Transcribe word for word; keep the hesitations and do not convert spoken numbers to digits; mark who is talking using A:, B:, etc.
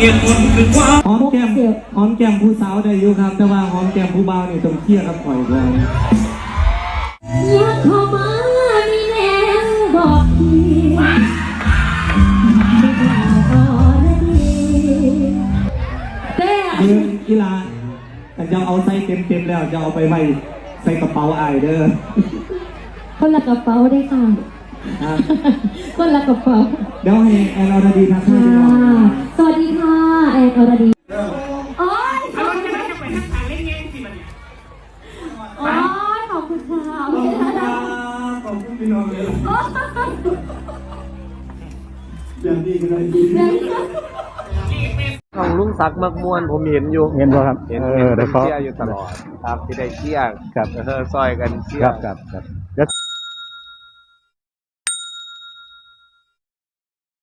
A: เหตุผลคือความ
B: หอมแก้มหอมแก้มผู้สาวได้อยู่ครับแต่ว่าหอมแก้มผู้บ่าวนี่ต้องเคลียร์กับข่อยก่อน
C: อยากเข้ามามีแนวบอกทีไม่กล่าวก็ได้ดีแต่
B: คือกีฬาแต่จะเอาใส่เต็มๆแล้วจะเอาไปไว้ใส่กระเป๋าอายเด้อ
C: คนละกระเป๋าได้ค่ะคนละกระเป๋า
B: เดี๋ยวให้แอนอรดีทักทาย
C: สวัสดีค่ะแอนอรดีโอ้ยโอ้ยขอบคุณค่ะ
B: ขอบคุณพี่น้องเลยอย่างนี้ก็ได้
D: ของลุงศักดิ์มักมวนผมเห็นอยู่
B: เห็นป่ะครับ
D: เห็นเห็นเชียร์อยู่ตลอดครับที่ได้เชียร์กับเออซอยกันเชียร์
B: ครับครับ